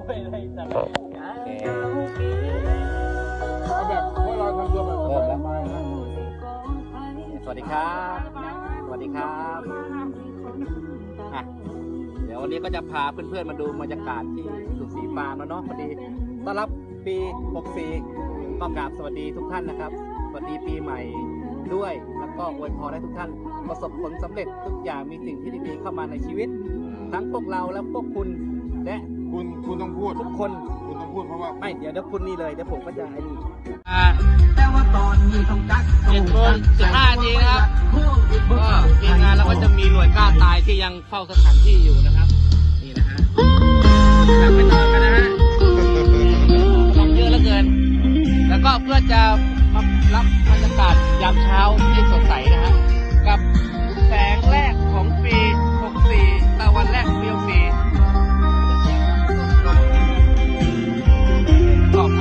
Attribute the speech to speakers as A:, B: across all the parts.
A: เอาแบบพวกเราทำตัวแบบสบายๆนะ
B: สวัสดีครับสวัสดีครับอ่ะเดี๋ยววันนี้ก็จะพาเพื่อนๆมาดูบรรยากาศที่สุสีฟาร์มแล้วเนาะพอดีต้อนรับปี64ก็กราบสวัสดีทุกท่านนะครับสวัสดีปีใหม่ด้วยแล้วก็อวยพรให้ทุกท่านประสบผลสำเร็จทุกอย่างมีสิ่งที่ดีๆเข้ามาในชีวิตทั้งพวกเราและพวกคุณและ
A: คุณต้องพูด
B: ทุกคน
A: คุณต้องพูดเพราะว่า
B: ไม่เดี๋ยวคุณนี่เลยเดี๋ยวผมก็จะไอ้นี่7:15 นาทีนะครับก็ทีมงานเราก็จะมีหน่วยกล้าตายที่ยังเฝ้าสถานที่อยู่นะครับนี่นะฮะกลับไปนอนกันนะฮะลองเยอะเหลือเกินแล้วก็เพื่อจะมารับบรรยากาศยามเช้าที่สดใสนะฮะกับแสงแรกของปี64ตะวันแรกของปี64ต่อไป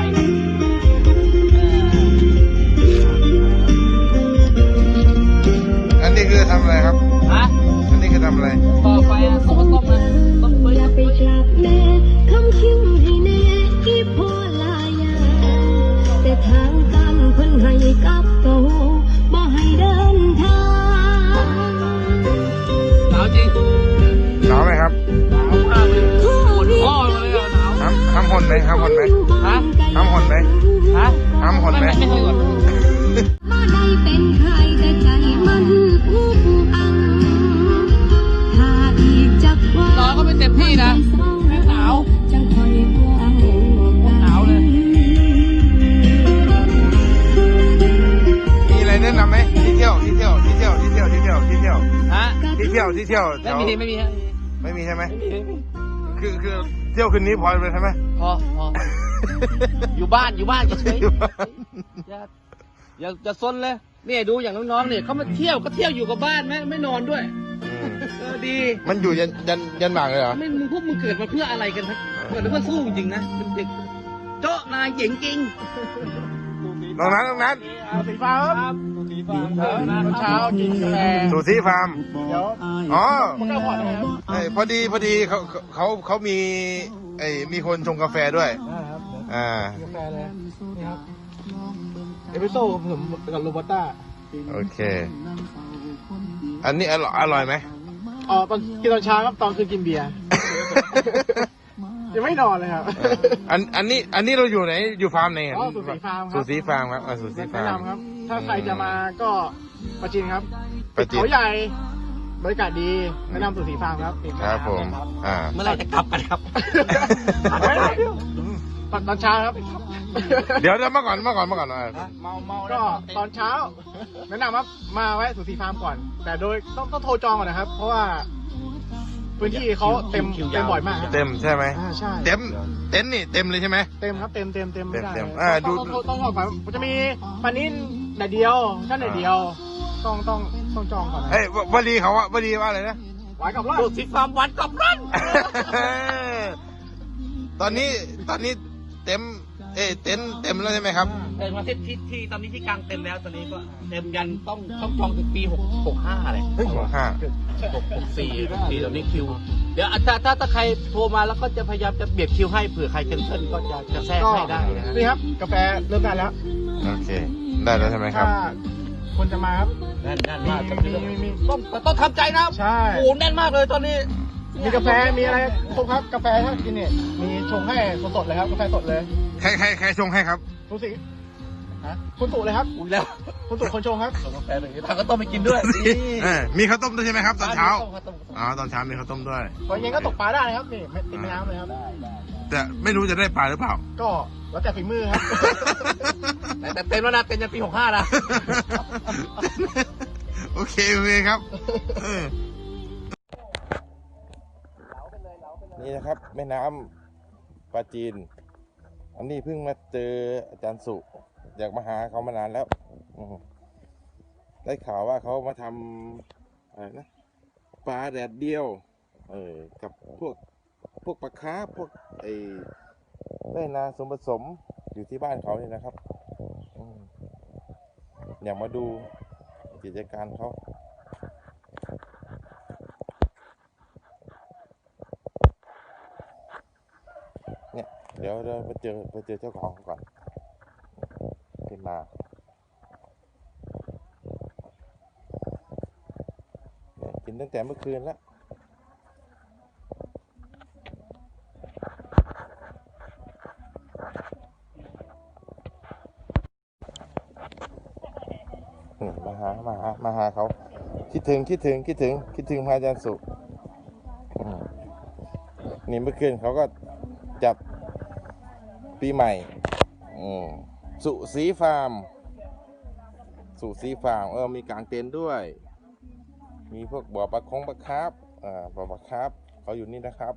A: อันนี้คือทำอะไรครับ
B: ฮะ
A: อันนี้คือทำอะไร
B: ต่อไปต้มนะต้มเปื่อย
C: อย่าไปกลับแม่คำคิ้วให้แน่อีพ่อลายาแต่ทางการเพิ่นให้กับโตบ่ให้เดินทาง
B: หนาวจริง
A: หนาวไหมครับ
B: หนาวมากเลยปวดคอเลยอ่ะหนาว
A: ทำหนไหมทำหนไหม
B: ฮะ
A: ทำหนไหม
B: ฮะ
A: ทำหนไหม
B: ไม่เคยหน
C: บ่ได้เป็นใครแต่ใจมันอุกอังถ้าอีกจักวัน
B: นอนก็ไม่เต็มที่นะหนาว
C: จังคอยหวัง
B: หนาวเลย
A: มีอะไรแนะนำไหมที่เที่ยวแถว
B: ฮะ
A: ที่เที่ยว
B: ไม่มีฮะ
A: ไม่มีใช่ไหม
B: ไม่มี
A: คือเที่ยวคืนนี้พอเลยใช่ไหม
B: พออยู่บ้านก็เฉยอย่าซนเลยนี่ดูอย่างน้องๆเนี่ยเขามาเที่ยวก็เที่ยวอยู่กับบ้านไม่นอนด้วยดี
A: มันอยู่ยันหมากเลยเหรอ
B: ไม่มึงพวกมึงเกิดมาเพื่ออะไรกันนะเกิดมาเพื่อสู้จริงนะเป็นเด็กโจ๊ะนายเจ๋งจริง
A: น้องนั้น
B: สีฟ้าครับสีฟ้าเช้ากินกาแฟ
A: สุสีฟาร์ม
B: เดี๋ยว
A: อ๋อ
B: มันก็ผ่อนนะครับ
A: พอดีเขามีคนชงกาแฟด้วย
B: ครับ
A: กาแฟเลยนี่ครับเอสเปรสโซ่ผมกับโรบัสต้าโอเค อันนี้อร่อยไหม
D: อ๋อตอนกินตอนเช้าครับตอนคืนกินเบียร์ ยังไม่นอนเลยครับ
A: อันนี้เราอยู่ไหนอยู่ฟาร์มไหน
D: อ๋อสุสีฟาร์มครับ
A: สุสีฟาร์มครับสุสีฟา
D: แนะ
A: ร์ม
D: นำครับ ถ้าใครจะมาก็ประจินครับ
A: ประจิน
D: เขาใหญ่บรรยากาศดีแนะนำสุสีฟาร์มครับ
A: ครับผม
B: เมื่อไหร่จะกลับกันครับ
D: ตอนเช้าครับ
A: เดี๋ยวเมื่อก่อน
D: ก็ตอนเช้า แนะนำครับมาแวะสุสีฟาร์มก่อน แต่โดยต้องโทรจองก่อนนะครับ เพราะว่าพื้นที่เขาเต็มบ่อยมากครับ
A: เต็มใช่ไหม
D: ใช่
A: เต็นท์นี่เต็มเลยใช่ไหม
D: เต็มครับเต็มไม่ได้
A: เต็ม
D: เลย
A: ดู
D: ต้องบอกก่อนมันจะมีปลานิ่นแดดเดียวชั้นแดดเดียวต้องจองก่อนนะ
A: วลีเขาวลีว่าอะไรนะ
D: ไว้กับรอด
B: ดูสิฟาร์มวันกับรัน
A: ตอนนี้เต็มเต็มแล้วใช่ไหมครับ
B: เต็มมาที่ตอนนี้ที่กลางเต็มแล้วตอนนี้ก็เต็มยันต้องจองถึงปี65เลย 64ตอนนี้คิวเดี๋ยวถ้าใครโทรมาแล้วก็จะพยายามจะเบียดคิวให้เผื่อใครแคนเซิลก็จะแทรกให้ได้นะ
D: นี่ครับกาแฟเริ่มได้แล้ว
A: โอเค ได้แล้วใช่ไหมครับ
D: ถ้าคนจะมาครับ
B: แน่นมาก
D: มี
B: ต้องทำใจนะ
D: ใช่
B: โอ้แน่นมากเลยตอนนี้
D: มีกาแฟมีอะไรครบครับกาแฟถ้ากินเนี่ยมีชงให้สดๆเลยครับกาแฟสดเลย
A: ใครชงให้ครับ
D: รู้สิคุณตู่เลยครับ
B: อุ้ยแล้ว
D: คุณตู่คนชงครับ
B: ส่งกาแฟเลยทางก็ต้องไปกินด้วย
A: มีข้าวต้มด้วยใช่ไหมครับ ตอนเช้า
B: ต้ม
A: อ๋อ ตอนเช้ามีข้าวต้มด้วย
D: ตอนเย็นก็ตกปลาได้นะครับนี่ไม่ติดแม่น้ำเลยครับ
A: แต่ไม่รู้จะได้ปลาหรือเปล่า
D: ก็แล้วแต่ฝีมือครับ
B: แต่เต็มแล้วนะเต็มยันปี65นะ
A: โอเคครับ นี่นะครับแม่น้ำปลาจีน อันนี้เพิ่งมาเจออาจารย์สุอยากมาหาเขามานานแล้วได้ข่าวว่าเขามาทำอะไรนะปลาแดดเดียวกับพวกปลาคาร์ฟพวกแม่นาสมผสมอยู่ที่บ้านเขานี่นะครับอยากมาดูกิจการเขาเนี่ยเดี๋ยวเราไปเจอเจ้าของก่อนขึ้นมาเนี่ยกินตั้งแต่เมื่อคืนแล้วมาหาเขาคิดถึงพระอาจารย์สุนี่เมื่อคืนเขาก็จับปีใหม่สุสีฟาร์มมีกางเต็นท์ด้วยมีพวกบ่อปลาคาร์ฟบ่อปลาคาร์ฟเขาอยู่นี่นะครับ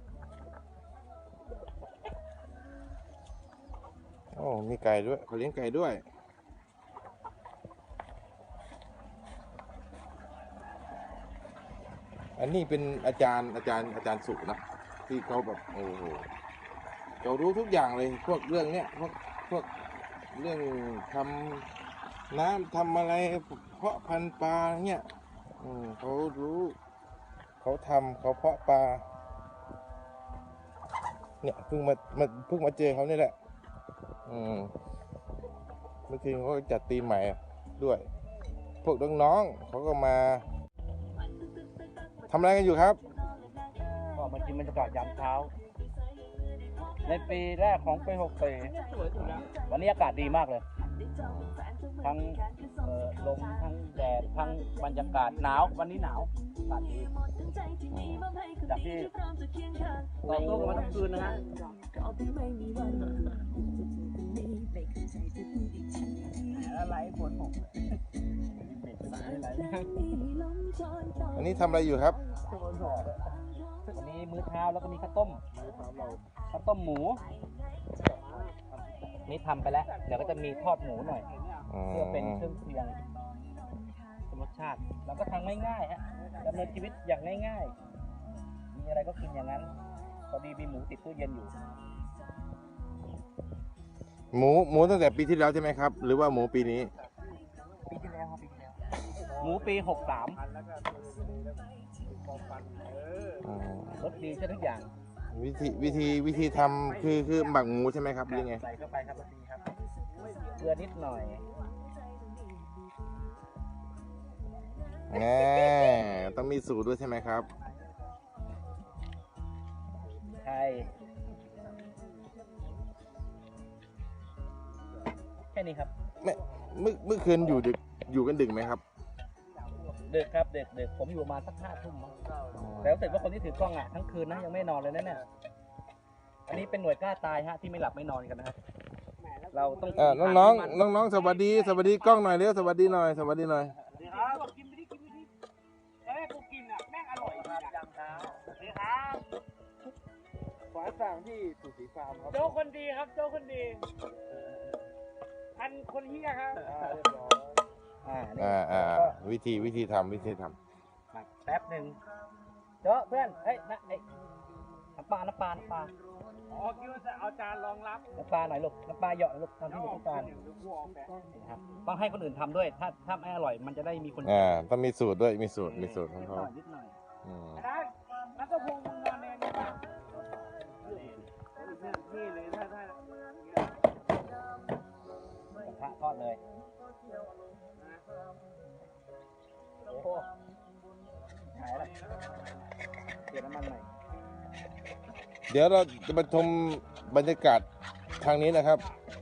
A: โอ้มีไก่ด้วยเขาเลี้ยงไก่ด้วยอันนี้เป็นอาจารย์สุนะที่เขาแบบโอ้โหเขารู้ทุกอย่างเลยพวกเรื่องเนี้ยพวกเรื่องทำน้ำทำอะไรเพาะพันธุ์ปลาเนี้ยเขารู้เขาเพาะปลาเนี่ยเพิ่งมาเจอเขานี่แหละเมื่อคืนเขาจัดตีใหม่ด้วยพวกน้องๆเขาก็มาทำอะไรกันอยู่ครับ
B: ก็มากินบรรยากาศยามเช้าในปีแรกของปี64วันนี้อากาศดีมากเลยทั้งลมทั้งแดดทั้งบรรยากาศหนาววันนี้หนาวอากาศดีจากที่เราโต้กันมาทั้งคืนนะฮะอะไรฝนตก
A: อันนี้ทำอะไรอยู่ครับ
B: วันนี้มื้อเช้าแล้วก็มีข้าวต้มหมูนี่ทำไปแล้วเดี๋ยวก็จะมีทอดหมูหน่อยเพื่อเป็นเครื่องเคียงรสชาติเราก็ทำง่ายๆฮะดำเนินชีวิตอย่างง่ายๆมีอะไรก็กินอย่างนั้นพอดีมีหมูติดตู้เย็นอยู่
A: หมูตั้งแต่ปีที่แล้วใช่ไหมครับหรือว่าหมูปีนี้
B: ปีที่แล้วครับหมูปี63รสดีใช่ทุกอย่าง
A: วิธีทำคือหมักหมูใช่ไหมครับหรือไง
B: ใส่เข้าไปครับรสดีครับเกลือนิดหน่อย
A: ต้องมีสูตรด้วยใช่ไหมครับ
B: ใช่แค่นี้ครับ
A: เมื่อคืนอยู่กันดึกไหมครับ
B: ดึกครับดึกผมอยู่มาสัก5 ทุ่มแล้วรู้สึกว่าคนที่ถือกล้องทั้งคืนนะยังไม่นอนเลยนะเนี่ยอันนี้เป็นหน่วยกล้าตายฮะที่ไม่หลับไม่นอนกันนะครับเราต้อง
A: น้องสวัสดีกล้องหน่อยเร็วสวัสดีหน่อย
B: สวัสดีครับกินไปดิกูกินแม่งอร่อยครับยำเช้าสวัสดีครับ
D: ขอสั่งที่สุสีฟาร์มครับ
B: โจ้คนดีครับโจ้คนดีพันคนเฮียครับ
A: วิธีทำ
B: แป๊บหนึ่งเจ้าเพื่อนเฮ้ยน้ำปลาอ๋อคิดว่าจะเอาจานรองรับน้ำปลาหน่อยลูกน้ำปลาเหยาะลูกทำที่ลูกต้องการครับต้องให้คนอื่นทำด้วยถ้าไม่อร่อยมันจะได้มีคน
A: ต้องมีสูตรด้วยมีสูตรของเขา
B: นิดหน่อยนักพงศ์มึงนอนเนี่ยนี่เลยถ้าพระทอดเลยโอ้โหหายแล้วเกี่ยวน้ำมันใหม่
A: เดี๋ยวเราจะมาชมบรรยากาศทางนี้นะครับ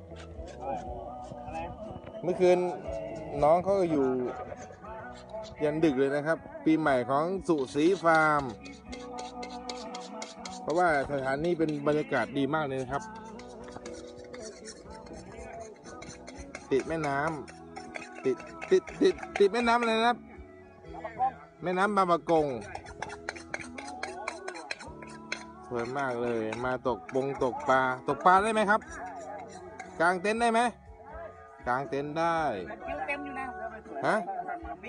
A: เมื่อคืนน้องเขาก็อยู่ยันดึกเลยนะครับปีใหม่ของสุสีฟาร์มเพราะว่าสถานนี้เป็นบรรยากาศดีมากเลยนะครับติดแม่น้ำติดแม่น้ำอะไรนะครับแม่น้ำบางปะกงสวยมากเลยมาตกปลาได้ไหมครับกางเต็นท์ได้ไหมกางเต็นท์ได้
B: คิวเต็มอยู่นะ
A: ฮะ
B: ปี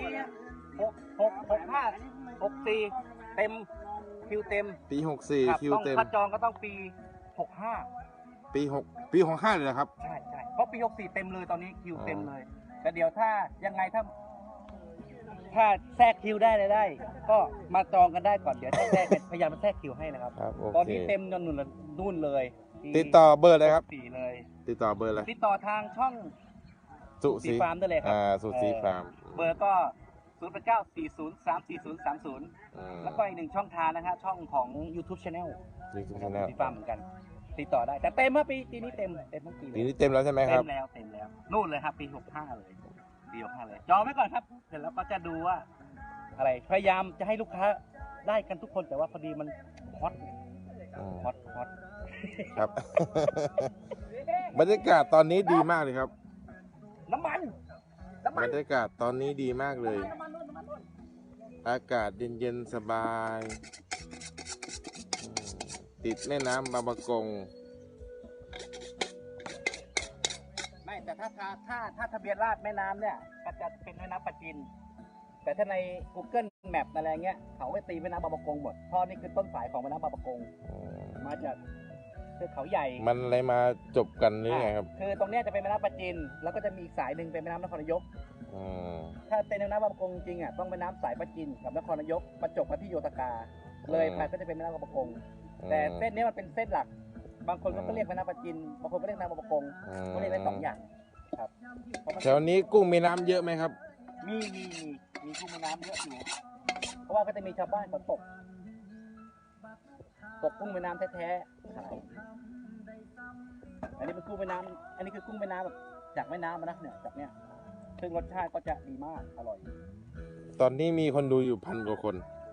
B: 64เต็มคิวเต็ม
A: ปี64คิวเต็ม
B: ถ้าจองก็ต้องปี65
A: ปี65เลยนะครับ
B: ใช่เพราะปี64เต็มเลยตอนนี้คิวเต็มเลยแต่เดี๋ยวถ้ายังไงถ้าถ้าแทรกคิวได้เลยได้ ก็มาจองกันได้ก่อนเดี๋ยวจะแทรกพยายามมาแทรกคิวให้นะครับ
A: ครับโอ
B: ตอน
A: เค
B: นี้เต็มจนนู่นเลยที่
A: ติดต่อเบอร์เลยครับ
B: 4เลย
A: ติดต่อเบอร์เลย
B: ติดต่อทางช่อง
A: สุสี
B: ฟาร์มได้เลยครั
A: สุสีฟาร์ม
B: เบอร์ก็08940340030 แล้วก็อีกหนึ่งช่องทางนะฮะช่องของ YouTube Channel
A: ยูทูบชาแนล
B: สีฟาร์มเหมือนกัน ติดต่อได้ แต่เต็มเมื่อปีนี้เต็มทั้งปีเล
A: ปี
B: ย
A: นี้เต็มแล้วใช่ไหมค
B: เต็
A: รับ
B: มแล้วนู่นเลยครับปี65เลยปี65เลยจองไว้ก่อนครับเสร็จแล้วก็จะดูว่า อะไรพยายามจะให้ลูกค้าได้กันทุกคนแต่ว่าพอดีมันฮอตฮอต
A: ครับ บรรยากาศตอนนี้ดีมากเลยครับ
B: น้ำมัน
A: บรรยากาศตอนนี้ดีมากเลย อากาศเย็นๆสบายติดแม่น้ำบางประกง
B: ไม่แต่ถ้าทะเบียนราษฎร์แม่น้ำเนี่ยก็จะเป็นแม่น้ำปะจิน แต่ถ้าใน Google Map อะไรเงี้ยเขาไปตีแม่น้ำบางประกงหมดเพราะนี่คือต้นสายของแม่น้ำบางประกงมาจากเทือกเขาใหญ่
A: มันอะไรมาจบกันหรือไงครับ
B: คือตรงเนี้ยจะเป็นแม่น้ำปะจิน แล้วก็จะมีอีกสายหนึ่งเป็นแม่น้ำนครนายก
A: อืม
B: ถ้าเป็นแม่น้ำบางประกงจริงอ่ะต้องแม่น้ำสายปะจินกับนครนายกประจบมาที่โยธกา เลยไปก็จะเป็นแม่น้ำบางประกง แต่เส้นนี้มันเป็นเส้นหลัก บางคนก็เรียกแม่น้ำปะจิน บางคนก็เรียกแม่น้ำบางประกงก็เรียกได้สองอย่างครับ
A: แถวนี้กุ้งมีน้ำเยอะไหมครับ
B: มีกุ้งแม่น้ำเยอะอยู่ เพราะว่าก็จะมีชาวบ้านเขาตกกุ้งแม่น้ำแท้ๆขายอันนี้เป็นกุ้งแม่น้ำอันนี้คือกุ้งแม่น้ำแบบจากแม่น้ำนะเนี่ยจากเนี้ยซึ่งรสชาติก็จะดีมากอร่อย
A: ตอนนี้มีคนดูอยู่1,000 กว่าคน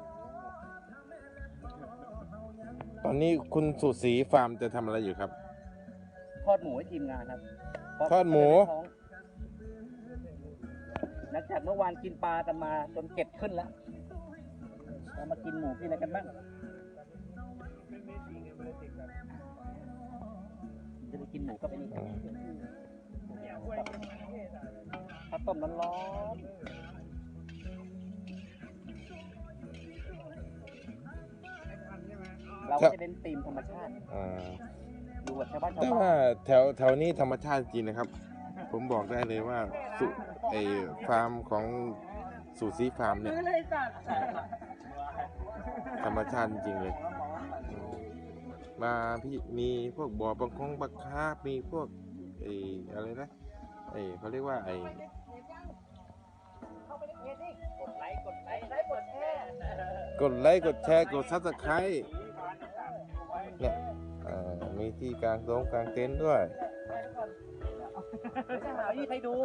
A: ตอนนี้คุณสุศรีฟาร์มจะทำอะไรอยู่ครับ
B: ทอดหมูให้ทีมงานครับ
A: ทอดหมู
B: หลังจากเมื่อวานกินปลากันมาจนเก็ดขึ้นแล้วเรามากินหมูกินอะไรกันบ้างจะไปกินหมูก็ไปนี่ข้าวต้มร้อนๆเราก็จะเน้นธีมธรรมชาติดูแบบชาวบ้านชาว
A: แต่
B: บ้า
A: ว่าน แถวนี้ธรรมชาติจริงนะครับ ผมบอกได้เลยว่าฟาร์มของสุสีฟาร์มเนี่ย ธรรมชาติจริงๆเลย มาพี่มีพวกบ่อบังคงบักคาบมีพวกอะไรนะเขาเรียกว่า
B: กดไลค์กดแชร์
A: กดไลค์กดแชร์กดซับสไครต์เนี่ยมีที่กลางกลางเต็นท์ด้วย
B: ไม่ใช่หาที่ใครดู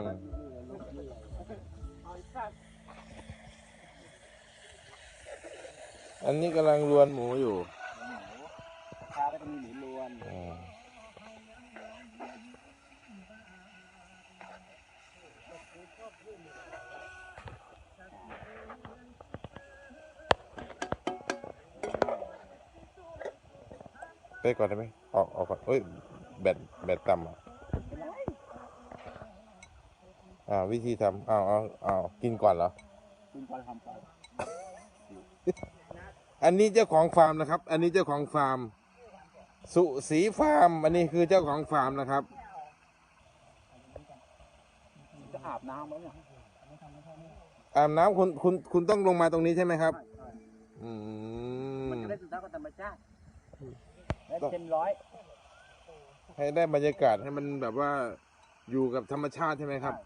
A: อันนี้กำลังรวนหมูอยู่
B: ปลาก็จะมีหมูล้วน
A: ไปก่อนได้ไหมออกก่อนเอ้ยแบตต่ำวิธีทำกินก่อนเหรอ
B: คุณก่อนทำไป
A: อันนี้เจ้าของฟาร์มนะครับ อันนี้เจ้าของฟาร์ม สุสีฟาร์ม อันนี้คือเจ้าของฟาร์มนะครับ
B: จะอาบน้ำไหมเนี่ย
A: อาบน้ำคุณต้องลงมาตรงนี้ใช่ไหมครับ
B: มันจะได้สุดท้ายกับธรรมชาติและเต็มร้อย
A: ให้ได้บรรยากาศให้มันแบบว่าอยู่กับธรรมชาติใช่ไหมครับ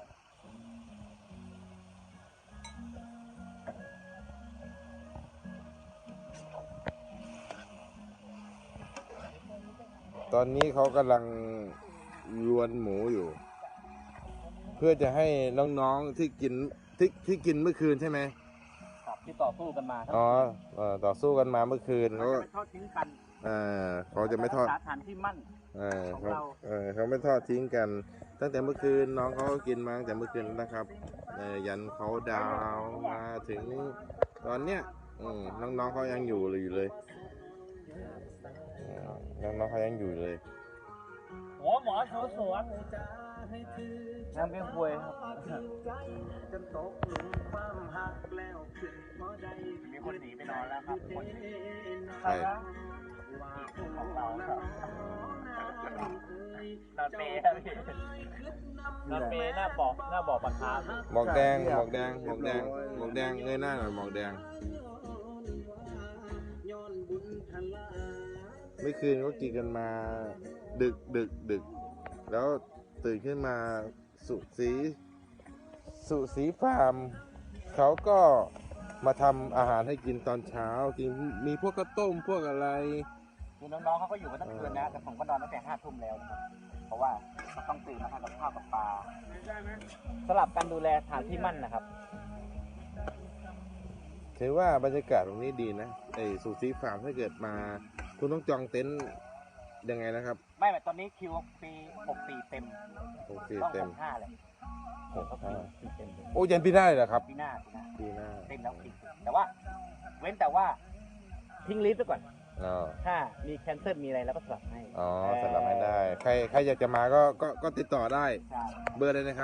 A: ตอนนี้เขากำลังรวนหมูอยู่ เพื่อจะให้น้องๆที่กินเมื่อคืนใช่ไหม
B: ที่ต่อสู้กันมา
A: ต่อสู้กันมาเมื่อคืน
B: เขาจะไม่ทอดทิ้งกัน
A: เขาจะไม่ทอด
B: สถานที่มั่น ของเรา
A: เขาไม่ทอดทิ้งกัน ตั้งแต่เมื่อคืนน้องเขาก็กินมาตั้งแต่เมื่อคืนนะครับยันเขาดาวมาถึงตอนเนี้ยน้องๆเขายังอยู่เลยน้องๆเขายังอยู่เลย
B: หัวหมอสวนน้ำเบี้ยควยครับมีคนหนีไปนอนแล้วครับ
A: ใช่
B: ของเราครับนอนเปย์ครับพี่นอนเปย์หน้าบ่อปลาคาร์ฟ
A: หมอกแดงหมอกแดงหมอกแดงหมอกแดงเงยหน้าหน่อยหมอกแดงเมื่อคืนก็กินกันมาดึกแล้วตื่นขึ้นมาสุสีฟาร์มเขาก็มาทำอาหารให้กินตอนเช้ากินมีพวกข้าวต้มพวกอะไร
B: คือน้องๆเขาก็อยู่กันทั้งคืนนะแต่ผมก็นอนตั้งแต่5 ทุ่มแล้วนะครับเพราะว่าเขาต้องตื่นมาทำกับข้าวกับปลาสลับกันดูแลสถานที่มั่นนะครับ
A: ถือว่าบรรยากาศตรงนี้ดีนะไอ้สุสีฟาร์มถ้าเกิดมาคุณต้องจองเต็นท์ยังไงนะครับ
B: ไม่แบบตอนนี้คิวปี64เต็ม
A: 64
B: ต้อง
A: เต็ม
B: 65เลยคิวเต็มเลย
A: โอ้ยันปีหน้าเลยเหรอครับ
B: ปีหน้า
A: ปีหน้า
B: เต็มแล้วคิวแต่ว่าเว้นแต่ว่าทิ้งลิสต์ไว้ก่อน
A: อ๋อ
B: ถ้ามีแคนเซิลมีอะไรแล้วก็สลับให้
A: อ๋อสำหรับให้ได้ใครอยากจะมาก็ติดต่อได้
B: ใช่
A: เบอร์เลยนะครับ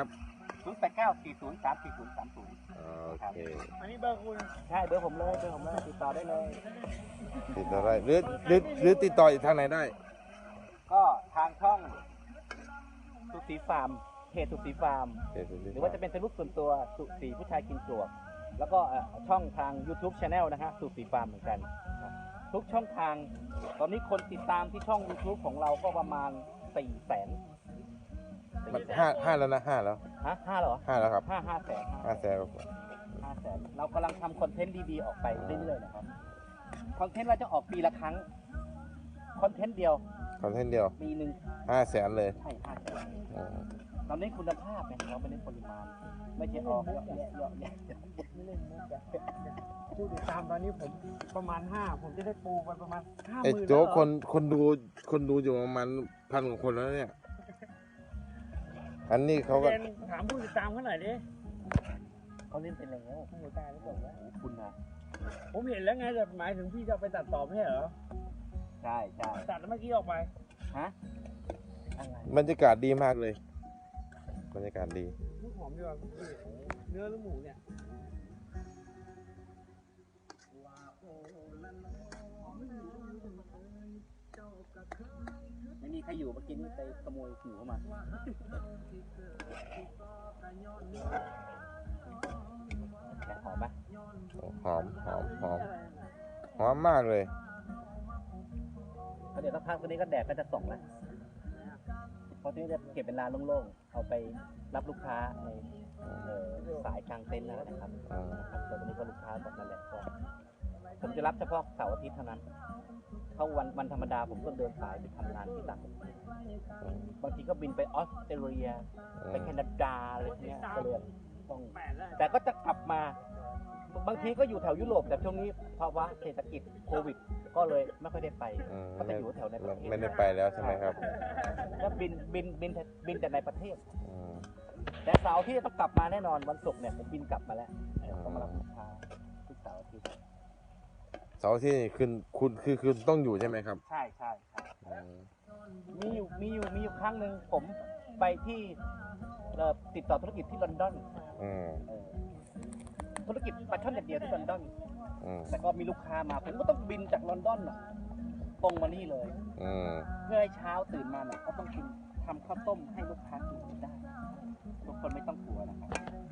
B: 089403430
A: อ๋อโอเค
D: อันนี้เบอร์คุณ
B: ใช่เบอร์ผมเลยติดต่อได้เลย
A: ติดต่อได้หรือติดต่ออีกทางไหนได้
B: ก็ทางช่องสุสีฟาร์มเพจสุสีฟาร์ม หรือว่าจะเป็นเฟซบุ๊กส่วนตัวสุสีผู้ชายกินปลวกแล้วก็ช่องทาง YouTube Channel นะฮะสุสีฟาร์มเหมือนกันครับทุกช่องทางตอนนี้คนติดตามที่ช่อง YouTube ของเราก็ประมาณ 400,000
A: มันห้าแล้วนะห้าแล้ว
B: ฮะ5เหรอ
A: ห้าแล้วครับ
B: 5 แสน
A: 500,000ครับ
B: 500,000เรากำลังทำคอนเทนต์ดีๆออกไปเรื่อยๆนะครับคอนเทนต์เราจะออกปีละครั้งคอนเทนต์เดียว
A: คอนเทนต์เดียว
B: ปีหนึ่ง
A: 500,000เลย
B: ใช่5 แสน
A: อ๋อ
B: เราเน้นคุณภาพไงเราไม่เน้นปริมาณ ไม่ใช่ออกเยอะแยะ
D: ไม่เล่นมุกอะผู้ติดตามตอนนี้ผมประมาณ5ผมจะได้ปูไปประมาณ
A: ไอ้
D: 50,000
A: โจ๊กคนดูอยู่ประมาณ1,000 กว่าคนแล้วเนี่ย อันนี้เขาก็
D: เรียนถามผู้ติดตามเขาหน่อยดิ
B: เขาเล่นไปแล้ว
D: โอ้โหตายแล้วบอกว่า
B: คุณนะ
D: ผมเห็นแล้วไงแต่หมายถึงพี่จะเอาไปตัดต่อไม่ใช่เหรอ
B: ใช่ใช่
D: ตัดแล้วเมื่อกี้ออกไป
B: ฮะอะไร
A: บรรยากาศดีมากเลย บรรยากาศดี
D: ลูกหอมดีกว่าพี่เนื้อหรือหมูเนี่ย
B: ไม่มีใครอยู่เมื่อกี้นี่ไปขโมยหูเข้ามาแต่หอมปะ
A: หอมมากเลย
B: เดี๋ยวสักพักตัวนี้ก็แดดก็จะส่องแล้วเพราะที่นี่จะเก็บเป็นลานโล่งๆเอาไปรับลูกค้าในสายกลางเต็นท์นั่นแหละนะครับ ครับแต่วันนี้ก็ลูกค้าบอกนั่นแหละก็ผมจะรับเฉพาะเสาร์อาทิตย์เท่านั้นถ้าวันธรรมดาผมก็เดินสายไปทำงานที่ต่างประเทศบางทีก็บินไปออสเตรเลียไปแคนาดาอะไรเงี้ยก็เลยต้องแต่ก็จะกลับมาบางทีก็อยู่แถวยุโรปแต่ช่วงนี้ภาวะเศรษฐกิจโควิด ก็เลยไม่ค่อยได้ไปก็จะอยู่แถวในประเทศ
A: ไม่ได้ไปแล้วใช่ไหมครับ
B: ก็บินแต่ในประเทศ แต่เสาร์ที่ต้องกลับมาแน่นอนวันศุกร์เนี่ยผมบินกลับมาแล้วต้องมารับลูกค้าทุกเสาร์อาทิตย์
A: เสาร์ที่คุณต้องอยู่ใช่ไหมครับ
B: ใช่มีอยู่ครั้งหนึ่งผมไปที่ติดต่อธุรกิจที่ลอนดอนธุรกิจปลาช่อนอย่างเดียวที่ลอนดอนแต่ก็มีลูกค้ามาผมก็ต้องบินจากลอนดอนตรงมานี่เลยเพื่อให้เช้าตื่นมาเนี่ยก็ต้องกินทำข้าวต้มให้ลูกค้ากินได้ทุกคนไม่ต้องกลัวนะครับ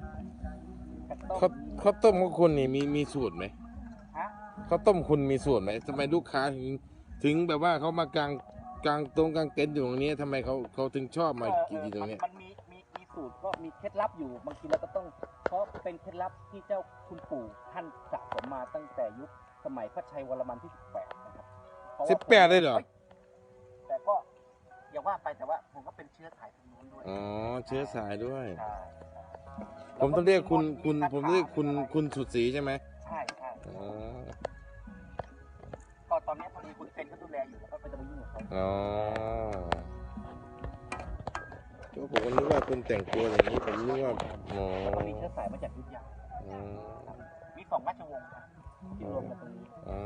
A: ข้าวต้มของคุณนี่มีสูตรไหม
B: ฮะ
A: ข้าวต้มคุณมีสูตรไหมทำไมลูกค้าถึงแบบว่าเขามากางเต็นท์อยู่ตรงนี้ทำไมเขาถึงชอบมากินตรงนี้
B: มันมีสูตรก็มีเคล็ดลับอยู่บางทีเราก็ต้องเพราะเป็นเคล็ดลับที่เจ้าคุณปู่ท่านสะสมมาตั้งแต่ยุคสมัยพระชัยวรมันที่18นะครับ
A: 18เลยเหรอ
B: แต่ก็อย่าว่าไปแต่ว่าผมก็เป็นเชื้อสายทางนู้นด้วย
A: อ๋อเชื้อสายด้วย
B: ใช่
A: ผมต้องเรียกผมเรียกคุณสุดสีใช่ไหม
B: ใช่
A: อ๋อ
B: ก็ตอนนี้พอดีคุณเซนเขาดูแลอยู่แล้วก็ไปจะไปยุ่งกับเขา
A: อ๋อก็ผมก็นึกว่าคุณแต่งตัวอย่างนี้ผมนึกว่าอ๋อ
B: ตอนนี้เชื้อสายมาจากยุทธยามี2 ราชวงศ์ครับที่รวมกันตรงนี้
A: อ๋อ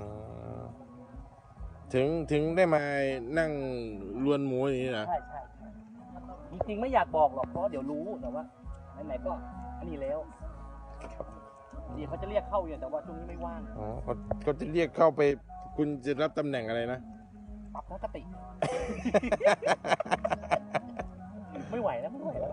A: ถึงได้มานั่งลวนหมูอย่างนี้นะ
B: ใช่จริงๆไม่อยากบอกหรอกเพราะเดี๋ยวรู้แต่ว่าไหนๆก็อันนี้แล้วเดี๋ยวเขาจะเรียกเข้าอยู่แต่ว่าช่วงนี้ไม่ว่าง
A: อ๋อเขาจะเรียกเข้าไปคุณจะรับตำแหน่งอะไรนะ
B: ปรับทัศนคติแล้วไม่ไหวแล้ว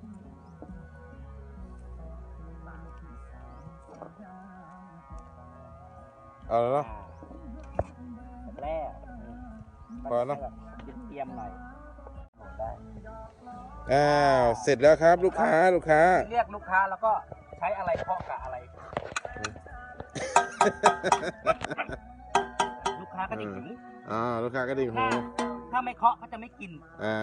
A: เอาแล้วเนาะ
B: แรก
A: พอเนอะ
B: เตรียมหน่อยได้
A: อ้าวเสร็จแล้วครับลูกค้า
B: เรียกลูกค้าแล้วก็ใช้อะไรเคาะกับอะไร ลูกค้าก็จะหิว
A: ลูกค้าก็ดิ่งหู
B: ถ้าไม่เคาะเขาจะไม่กิน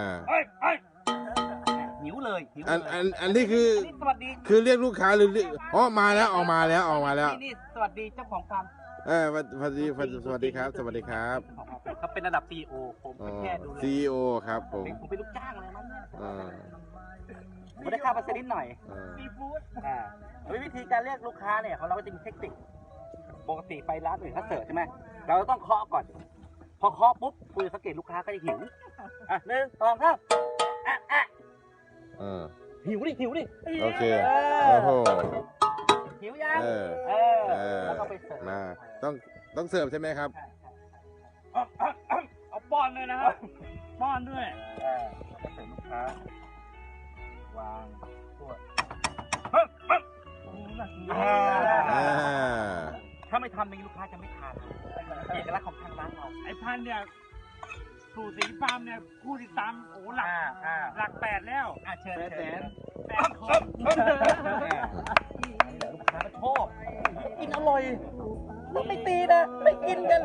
B: หิวเลยหิว
A: อันนี้คือ
B: นี่สวัสดี
A: คือเรียกลูกค้าหรือมาแล้วออกมาแล้ว
B: นี่สวัสดีเจ้าของฟาร์ม
A: สวัสดีครับ สวัสดีครับ
B: เขาเป็นระดับ CEO ผมเป็นแค่ดูแล
A: CEO ครับผม
B: ผมเป็นลูกจ้างอะไรมันเนี่ย
A: อ่า
B: ผมได้ค่าเปอร์เซ็นต์นิดหน่อย
A: อ่า
B: ซีฟู้ดวิธีการเรียกลูกค้าเนี่ยของเราก็จะมีเทคนิคปกติไปร้านอื่นเขาเสิร์ฟใช่ไหมเราต้องเคาะก่อน พอเคาะปุ๊บคุณสังเกตลูกค้าก็จะหิว1 2 3หิวดิ
A: โอเคโอ้โห
B: หิวยังแล้วก็ไปเสิร์ฟ
A: มาต้องเสิร์ฟใช่ไหมครับ
B: เอาป้อนเลยนะครับป้อนด้วยก็เสิร์ฟลูกค้าวางตัวถ้าไม่ทำอย่างนี้ลูกค้าจะไม่ทานเอกลักษณ์ของทางร้านเรา
E: ไอ้พันธุ์เนี่ยสู่สีฟาร์มเนี่ยผู้ติดตามโอ้หลัก8แล้ว
B: เชิญ
E: 8 คน
B: ลูกค้าก็ชอบกินอร่อยไม่ตีนะไม่กินกัน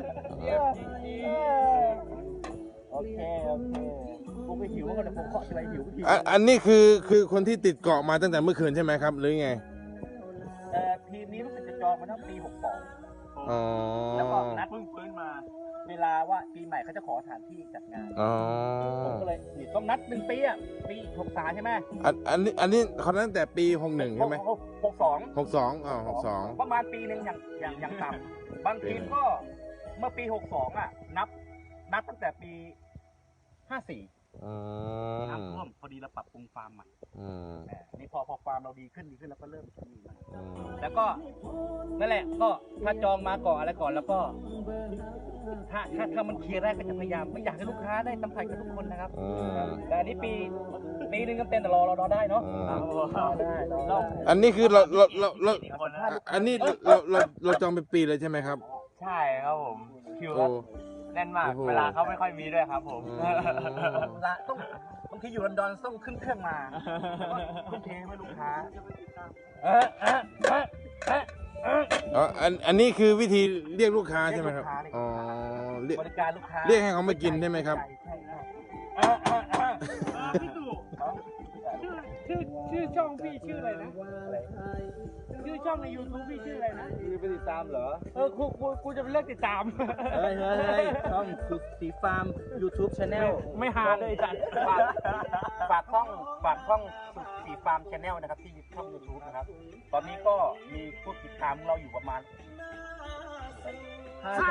B: โอเคผมก็หิวก็เดี๋ยวผมเคาะทีไรหิว
A: อันนี้คือคนที่ติดเกาะมาตั้งแต่เมื่อคืนใช่ไหมครับหรือไง
B: ทีมนี้รู้สึกจะจองมาตั้งปี 62
A: อ๋อ
B: แล้วก็นัดเพิ่งฟื้นมา เวลาว่าปีใหม่เขาจะขอสถานที่จัดงาน
A: อ๋อ
B: ผมก็เลยนี่ต้องนัด1 ปีปี63ใช่ไหม
A: อันนี้เขาตั้งแต่ปี61ใช่ไหม
B: 62
A: 62 62
B: ประมาณปีหนึ่งอย่างต่ำบางทีมก็เมื่อปี 62นับตั้งแต่ปี 54 น้ำท่วมพอดีเราปรับปรุงฟาร์มใหม่นี่พอฟาร์มเราดีขึ้นแล้วก็เริ่มมีมาแล้วก็นั่นแหละก็ถ้าจองมาก่อนอะไรก่อนแล้วก็ถ้ามันเคลียร์ได้ก็จะพยายามไม่อยากให้ลูกค้าได้สัมผัสกับทุกคนนะครับแต่อันนี้ปีหนึ่งเต็มแต่รอได้เนาะได้
A: อันนี้คืออันนี้เราจองเป็นปีเลยใช่ไหมครับ
E: ใช่ครับผมคิวครับแน่นมากเวลาเขาไม่ค่อยมีด้วยครับผม
B: ต้องบางทีอยู่ลอนดอนต้องขึ้นเครื่องมาทุ่มเทให้ลูกค้า
A: อันนี้คือวิธีเรียกลูกค้าใช่ไหมครับอ๋อบ
B: ริการลูกค้า
A: เรียกให้เขามากินใช่ไหมครับ
E: พี่ตู่ชื่อช่องพี่ชื่ออะไรนะชื่อช่องใน YouTube พี่ชื่ออะไรนะ
B: ไปติดตามเหรอ
E: กูจะไปเลิกติดตาม
B: เฮ้ยช่องสุดสีฟาร์ม YouTube Channel
E: ไม่หาเลยจัด
B: ฝากช่องสุดสีฟาร์ม Channel นะครับที่ช่อง YouTube นะครับ ตอนนี้ก็มีผู้ติดตามเราอยู่ประมาณ 50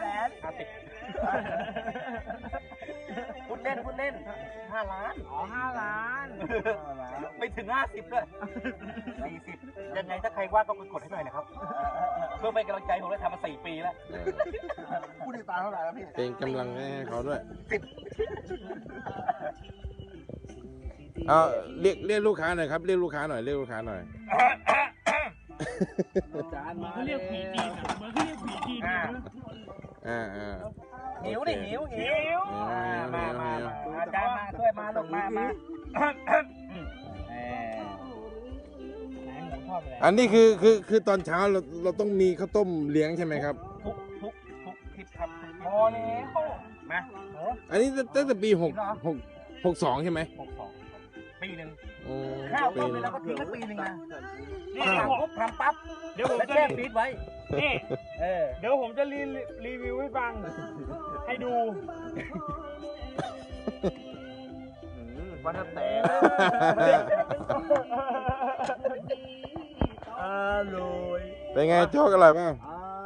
B: พูดเล่น5 ล้าน
E: อ๋อ5 ล้าน
B: ไม่ถึง50ด้วย40ยังไงถ้าใครว่าก็กดให้หน่อยนะครับ เพื่อเป็นกำลังใจผมได้ทำมา4 ปีแล้ว
D: ผู้ติดตามเท่าไหร่แล้วพี่
A: เป็นกำลังให้เขาด้วย
B: 10
A: เอาเรียกลูกค้าหน่อยครับเรียกลูกค้าหน่อย
B: จานมา
E: เขาเรียกผีจีนเหมือนเขาเรียกผีจีนนะ
B: หิวมาอาจารย์มาช่วยมาลูกมาไหนหมูทอดไปเลย
A: อันนี้คือตอนเช้าเราต้องมีข้าวต้มเลี้ยงใช่ไหมครับ
B: ทุกคลิปครับพอแล้วมา
A: อันนี้ตั้งแต่ปี62ใช่ไหม
B: 62 ปีหนึ่ง
A: โอ้
B: ข้าว
A: ปี
B: ต้ม
A: ห
B: เล
A: นึ
B: ย
A: ง
B: แล้วก็ทิ้งไว้ปีหนึ่งนะ
E: นี่
B: ทำปุ๊บทำปั๊บ
E: เดี๋ยวผม
B: แล้ว
E: จะ
B: แช่ฟรีซไว้
E: นี่
B: เ
E: เดี๋ยวผมจะรีวิวให้ฟัง ให้ดู
B: ว่าถ้าแต่
E: อร่อย
A: เป็นไงโจ๊กอร่อยป่ะ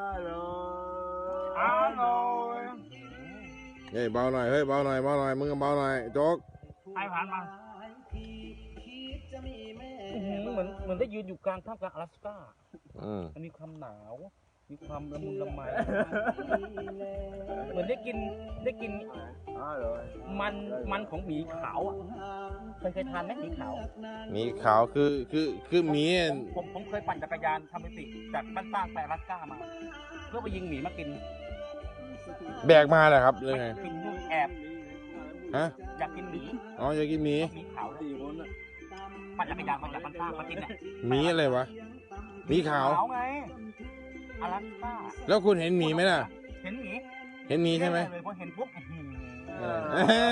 E: อร่อย
A: เฮ้ยเบาหน่อยมึงก็เบาหน่อยโจ๊ก
E: ให้ผ่านมา
B: เหมือนได้ยืนอยู่กลางท่ามกลางอลาสก้า
A: อืม
B: มีความหนาว มีความละมุนละไมเหมือนได้กินมันของหมีขาวอ่ะเคยทานไหมหมีขาว
A: หมีขาวคือหมี
B: ผมเคยปั่นจักรยานทำมิติจากบ้านสร้างไปอลาสก้ามา เพื่อไปยิงหมีมากิน
A: แบกมาเหรอครับหรือไง
B: กินนู่นแอบ
A: ฮะ
B: อยากกินหมี
A: อ๋ออยากกินหมี
B: หมีขาวเลยปั่นจักรยานมาจากบ้านสร้างมากินเนี่ย
A: หมีอะไรวะหมีขาว
B: ไงอลาสก้า
A: แล้วคุณเห็นหมีไหมล่ะ
B: เห็นหมี
A: เห็นหมีใช่ไหม
B: เลยพอเห็นปุ๊บ
A: เออ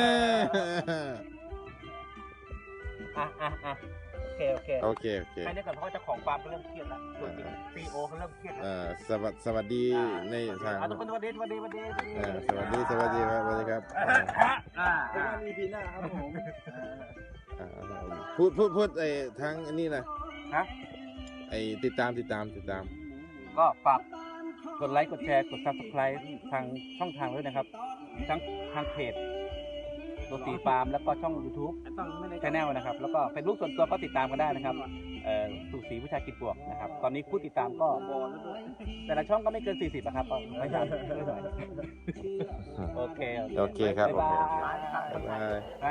B: อ่ะโอเค
A: โอเคโอเค
B: ไปเรียกก่อนเพราะว่าเจ้าของฟาร์มเขาเริ่มเครียดแล้วส่วนจริงซีโอเขาเริ่มเครียดแล้ว
A: สวัสดีในทาง
B: ทุกคนสวัสดี
A: สวัสดีครับสวัสดีครับ
E: มีปีหน้าครับผม
A: พูดไอ้ทางอันนี้นะ
B: ฮะ
A: ไอ้ติดตาม
B: ก็ฝากกดไลค์กดแชร์กด subscribe ทางช่องทางด้วยนะครับทั้งทางเพจตัวสีฟาร์มแล้วก็ช่อง YouTube ชาแนลนะครับแล้วก็เป็นรูปส่วนตัวก็ติดตามกันได้นะครับสู่สีวิชากิจบวกนะครับตอนนี้ผู้ติดตามก็แต่ละช่องก็ไม่เกิน40นะครับก็พยายามโอเคครับ
A: โอเค
B: บ๊ายบาย
A: บ๊ายบาย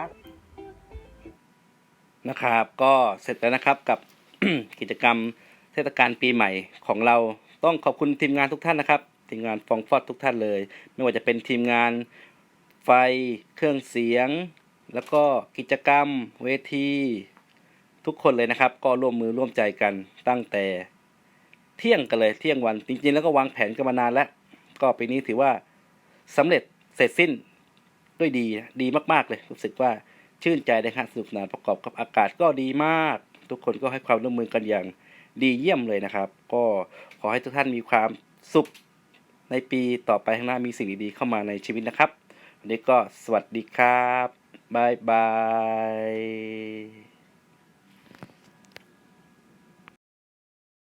B: นะครับก็เสร็จแล้วนะครับกับ กิจกรรมเทศกาลปีใหม่ของเราต้องขอบคุณทีมงานทุกท่านนะครับทีมงานฟองฟอดทุกท่านเลยไม่ว่าจะเป็นทีมงานไฟเครื่องเสียงแล้วก็กิจกรรมเวทีทุกคนเลยนะครับก็ร่วมมือร่วมใจกันตั้งแต่เที่ยงกันเลยเที่ยงวันจริงๆแล้วก็วางแผนกันมานานแล้วก็ปีนี้ถือว่าสำเร็จเสร็จสิ้นด้วยดีมากๆเลยรู้สึกว่าชื่นใจนะครับสนุกสนานประกอบกับอากาศก็ดีมากทุกคนก็ให้ความร่วมมือกันอย่างดีเยี่ยมเลยนะครับก็ขอให้ทุกท่านมีความสุขในปีต่อไปข้างหน้ามีสิ่งดีๆเข้ามาในชีวิตนะครับวันนี้ก็สวัสดีครับบ๊ายบาย